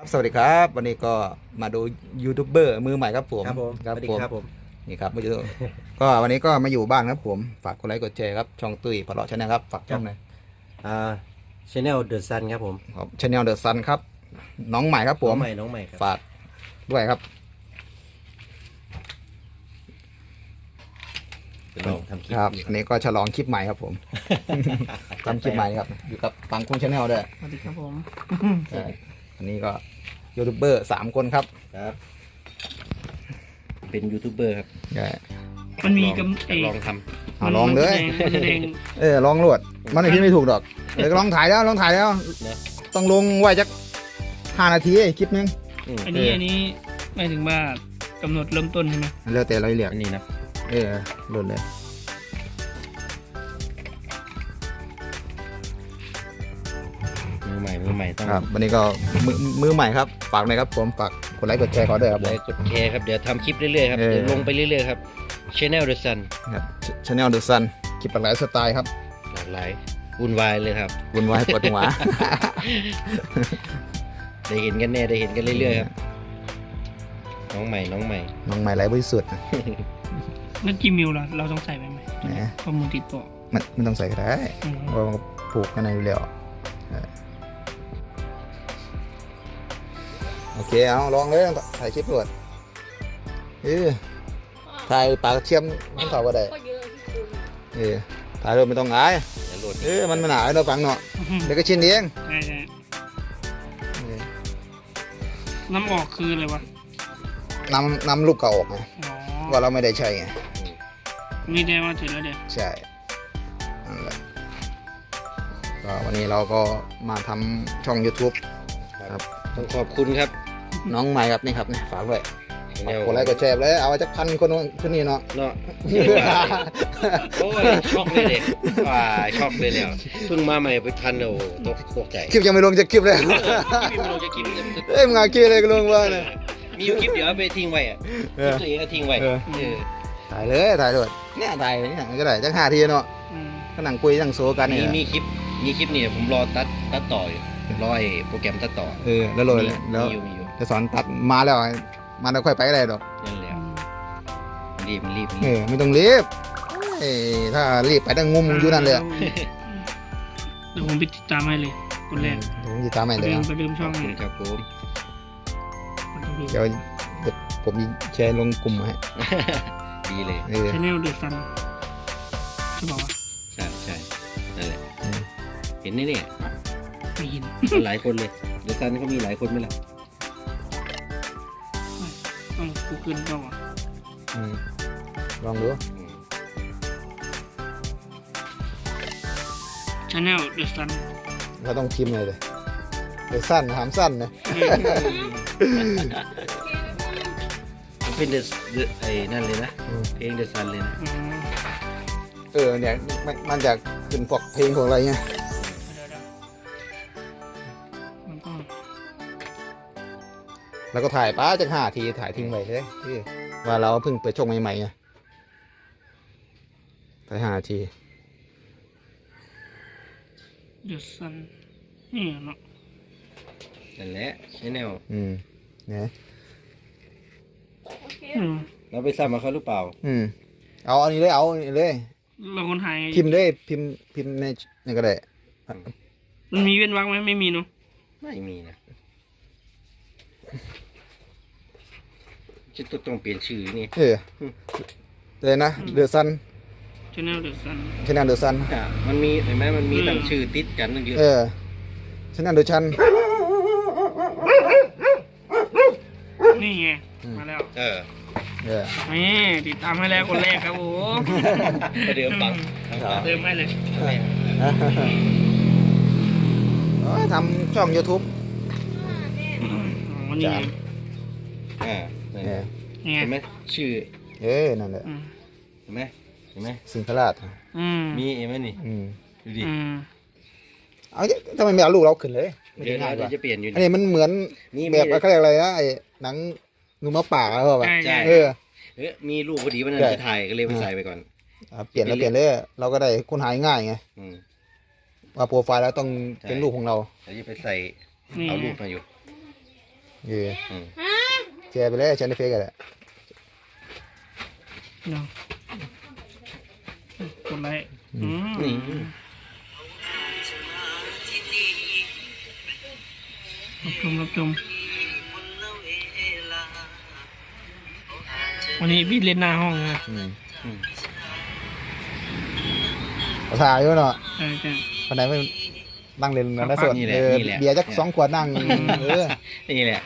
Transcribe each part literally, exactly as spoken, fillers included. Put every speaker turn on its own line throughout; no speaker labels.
สวัสดีครับวันนี้ก็มาดูยูทูบเบอร์มือใหม่ครับผม
ครับผม
ครับ
สวัสดี
ผม
ครับผม
นี่ครับมาดู ก็วันนี้ก็มาอยู่บ้านครับผมฝากกดไลค์กดแชร์ครับช่องตุ้ยพะเลาะชาแนลครับฝากช่องหน่อย
อ่าชาแนลเดอะซันครับผม
ครับชาแนลเดอะซันครับน้องใหม่ครับผ
น้อ
ม
งใหม่น้องใหม่ครับ
ฝากด้วยครับ
จะลองทำคลิป
ครับ
อยู่
อันนี้ก็ฉลองคลิปใหม่ครับผมทำคลิปใหม่ครับอยู่กับปังคุ้งชาแนลด้วย
สวัสดีครับผม
ใช่อันนี้ก็ยูทูบเบอร์สามคนครับ
ครับ เป็นยูทูบเบอร์ครับ
ใช่
มันมี
ลอง
กำเอ
ลองท
เอาลองเลย
มันแสดง
เออลองรวดมันไม่พิมพ์ไม่ถูกดอกเออก็ลองถ่ายแล้วลองถ่ายแล้ว
ำเนอะ
ต้องลงไว้จักห้านาทีคลิปนึง
อืม
อันนี้อันนี้หมายถึงว่ากำหนดเริ่มต้นใช่ไหม
แล้วแต่เราเรียก
อันนี้นะ
เออหลุดเลย
มือใหม่มือใหม่ต้อง
ครับวันนี้ก็มือมือใหม่ครับฝากหน่อยครับผมฝากกดไลค์กดแชร์เขาด้วยครับ
ไล
ผม
ค์กดแชร์ครับเดี๋ยวทำคลิปเรื่อยๆครับ
เออ
เดี๋ยวลงไปเรื่อยๆครับชาแนลเดอะซัน
ครับชาแนลเดอะซันคลิปหลากหลายสไตล์ครับ
หลากหลายวุ่นวายเลยครับ
วุ่นวายปวดหัว
ได้เห็นกันแน่ได้เห็นกันเรื่อยๆครับน้องใหม่น้องใหม่
น้องใหม่ไรบริสุทธิ์นะ
แล้วกี่มิลล่ะเราต้องใส่ไปไหม
แหม
ข้อมูลติดต่อ
มันไม่ต้องใส่ก็ได้
อืม
เพราะว่ามันผูกกันในอยู่แล้วเออโอเคเอาลองเลยถ่ายคลิปรวดเออถ่ายปากเทียมน้ำเต่าก็ได้เออถ่ายรวดไม่ต้องอาย
เดี๋ยวโหลด
เออมันไม่หนาเราฟังเนาะเดี๋ยวก็ชินเอง
ใช่ใช่
เออ
น้ำออกคืออะไรวะ
นำนำลูกเก่าออกไง
อ๋อ
ว่าเราไม่ได้ใช้ไง
นี่ได้ว่าเสร็จแล้วเดี๋ยว
ใช่นั่นแหละก็วันนี้เราก็มาทำช่อง YouTube ครับ
ต้องขอบคุณครับ
น้องใหม่ครับนี่ครับเนี่ยฝากด้วย
ชาแนล
กดไลค์กดแชร์เลยเอาไว้จะพันคนคนนี้เนาะ
เนาะ โอ้ยช็อกเลยเด็กว่าช็อกเลยแล้วเพิ่งมาใหม่ไปพันโอ้ตกตกใจ
คลิปยังไม่ลงจะคลิปเลย
คลิปไม่ลงจะคลิป
เอ้ยมึงเอาคลิปเลยก็ลงว่าเนี่ย
มีอยู่คลิปเดี๋ยวเอาไปทิ้งไว้อะค
เอ
ลิป
อ
ตัวเองก็ทิ้งไว้
เออ
เออ
ถ่ายเลยถ่ายด้วยเนี่ยถ่ายเนี่ยก็ได้จังห้าทีเนาะ
อืม
ก็นั่งคุยนั่งโซกัน
มี
เนี่ย
มีคลิปมีคลิปนี่ผมรอตัดตัดต่ออยู่รอไอ้โปรแกรมตัดต่อ
เออแล้วโหลด
มี
เลยแล้ว
มีอยู่มีอยู่
จะสอนตัดมาแล้วมาแล้วค่อยไปอะไรดอก
นั่นแหละ
อืม
รีบรีบ
เอ
รีบ
อไม่ต้องรีบเอ้ยถ้ารีบไปตั้งงุมอยู่นั่นเลยอะ
เดี๋ยวผมไปติดตามให้เลยคนแรก
เดี๋ยวผมจะตามให้
ไป
เลย
เริ่ม
อะ
ไปเริ่ม
ข
ช่
อ
อบ ง
คุ
ให้
ณครับผม
เดี๋ยวเดี๋ยวผมแชร์ลงกลุ่มให้
ดีเลย
เออ
ชาแนลเดือดซันใช่ป่าวะ
ใช่ใช่นั่นแหละ
อืม
เห็นนี่เนี่ย
ไม่เห็น
มันหลายคนเลยเดี๋ยวซันเขามีหลายคนไหมล่ะ
ต้องกูเกินก็วะ
อืมลองดู
อืม
ชาแนลเดือดซัน
เราต้องพิมพ์เลยเลยเดี๋ยวสั้นถามสั้นนะ
มันเป็นเดอะไอ้นั่นเลยนะเพลงเดอะซันเลยนะ
เออเนี่ยมันมันจะขึ้นพวกเพลงพวกอะไรเงี้ย
มันก็
แล้วก็ถ่ายป้าจากห้าทีถ่ายทิ้งไว้เลยเออว่าเราเพิ่งเปิดช่องใหม่ๆไงถ่ายห้าที
เดือดซันนี่เนาะ
นั่นแหละชแนล
อืมเนี่ย
อืม
เราไปซ้ำมาเขาหรือเปล่า
อืมเอาอันนี้เลยเอาอันนี้เลย
เราคนไทย
พิมพ์เลยพิมพ์พิมพ์ในนี่ก็ได้
มันมีเว้นวรรคไหมไม่มีเนาะ
ไม่มีนะจะต้องเปลี่ยนชื่อนี่
เออเลยนะเดือดซัน
ชาแนลเดือดซัน
ชนะเดือดซัน
อ่ะมันมีเห็นไหมมันมีตั้งชื่อติดกันตั้งเยอะ
เออชนะเดือดชัน
นี่ไง
อืม
มาแล้ว
เออ
เออ
นี่ติดตามให้แล้วคนแรกครับโอ้โห
ประเดิมปัง
เติมให้เลย
โอ้ยทำช่อง YouTube
อ๋อนี่ไง
อ่า
เออ
นี่ไง
เห็นไหมชื่อ
เออนั่นแหละ
อืม
เห็นไหมเห็นไหม
สิงคราช
อืม
มีเห็นไหมนี่
อืม
ดูดิ
อืม
เอาดิทำไมไม่เอาลูกเราขึ้นเลยไม่
เดี๋ยว
ง่ายก
เรา
ว่า
จะเปลี่ยนอยู่
อันนี้มันเหมือน
นี่
แบบเขาเรียกอะไรนะไอ้หนังงูมะป่าอะไรแบบ
ใช่ใช่
เออ
เอ๊ะมีรูปพอดีวันนั้น
ใช่
จะถ่ายก็เลยไปใส่ไปก่อน
อ่ะเปลี่ยนแล้วเปลี่ยนเลยเราก็ได้ค้นหาง่ายไง
อืม
ว่าโปรไฟล์แล้วต้อง
ใช่
เป็นรูปของเรา
เราจะไปใส่
นี่
เอา
ไง
รูปมาอยู่
เออ
อืม
แชร์ไปเลยแชร์ในเฟซกันแหละ
เนาะกดไลค์อืม
นี่
รับชมรับชมวันนี้พี่เล่นหน้าห้องนะ
อืม
อืม
ภาษาอยู่เนาะ
ใช่ใช่
คนไหนไม่นั่งเล่นนะส่วน
นี่แหละ
เออ
นี่แหละ
เบียร์จักสองขวดนั่งเออ
นี่แหละ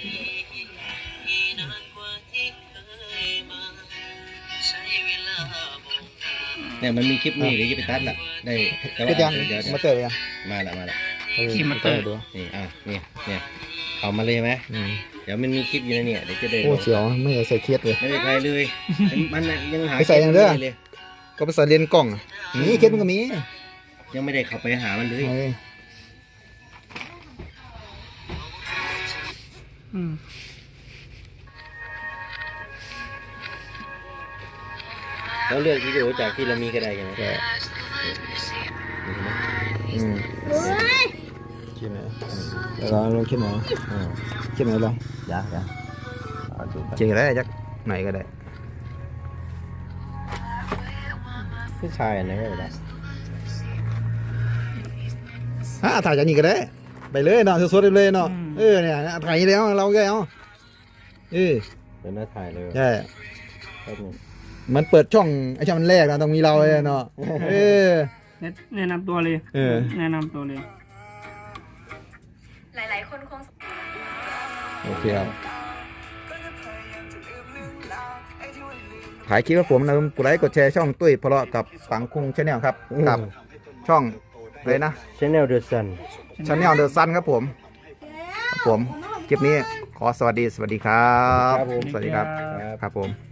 เนี่ยมันมีคลิปนี้เดี๋ยวจะไปตัดละได้แต่
คิดยัง
เดี๋ยวเดี๋ยว
มาเตอร์ยัง
มาละมาละ
เออมาเตอร์ดู
นี่อ่ะเนี่ยเนี่ยเอามาเลยไหม
อืม
เดี๋ยวมันมีคลิปอยู่ในเนี่ยเดี๋ยวจะได้
โอ้เสียวไม่ได้ใส่เคสเลย
ไม่ได้ใครเลยมันน่ะยังหา
ไปใส่อย่างเด้อ
คลิปไม่เลย
ก็ไปใส่เลนส์กล้องอะนี่เคสมันก็มี
ยังไม่ได้เข้าไปหามันเลย
เออ
อืม
แล้วเลือกวิดีโอจากที่เรามีก็ได้กันนะ
ใช่
นี่เห็นไหม
อืมคลิปไหนเดี๋ยวเราลงคลิปไหน
อ่า
คลิปไหนลอง
ยากยากเอาดู
เจอได้จักไหนก็ได้
ผู้ชายอันไหนก็ได้
ฮะถ่ายจากนี้ก็ได้ไปเลยเนาะสดๆเลยเนาะเออเนี่ยถ่ายแล้วเราก็เอาเออ
เดี๋ยวหน้าถ่ายเลย
ใช่
แป๊บนึง
มันเปิดช่องไอ้ช่องมันแรกนะต้องมีเราเลยเนาะเออ
แนะแนะนำตัวเลย
เออ
แนะนำตัวเลย
หลายๆ คนคง
โอเคครับถ่ายคลิปกับผมนะกดไลค์กดแชร์ช่องตุ้ยพลาะกับปังคุงชาแนลครับกับช่องเลยนะ
Channel The Sun
ชาแนลเดอะซันครับผมครับผมคลิปนี้ขอสวัสดีสวัสดีครับ
ครับผม
สวัสดีครับ
ครับ
ครับผม